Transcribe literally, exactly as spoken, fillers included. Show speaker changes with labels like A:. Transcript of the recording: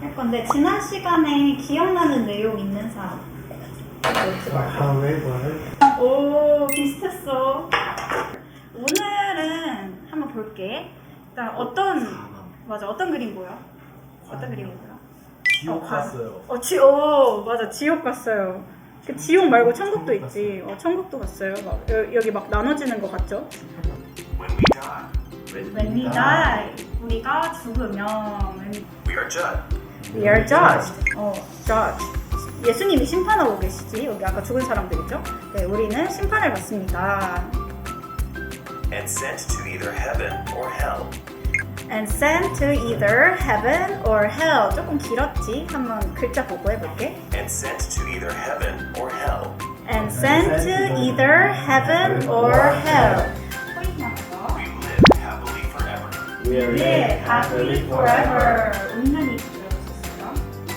A: 할 건데 지난 시간에 기억나는 내용 있는 사람?
B: However,
A: 오 비슷했어. 오늘은 한번 볼게. 일단 어떤 맞아 어떤 그림 보여? 어떤 그림 보여?
C: 지옥
A: 어,
C: 갔어요.
A: 어, 지, 오, 맞아. 지옥 갔어요. 그 지옥 말고 천국도 있지. 어, 천국도 갔어요. 막, 여, 여기 막 나눠지는 거 같죠?
D: When we die,
A: When we die, 우리가 죽으면 when
D: we are judged.
A: we are judged. 어, judged. 예수님이 심판하고 계시지. 여기 아까 죽은 사람들이죠. 네, 우리는 심판을 받습니다.
D: And sent to either heaven or hell.
A: And sent to either heaven or hell. 조금 길었지. 한번 글자 보고 해볼게.
D: And sent to either heaven or hell.
A: And sent to either heaven or hell. 포인트 나가서.
D: We live happily forever.
B: we are
A: live happily forever. 운명이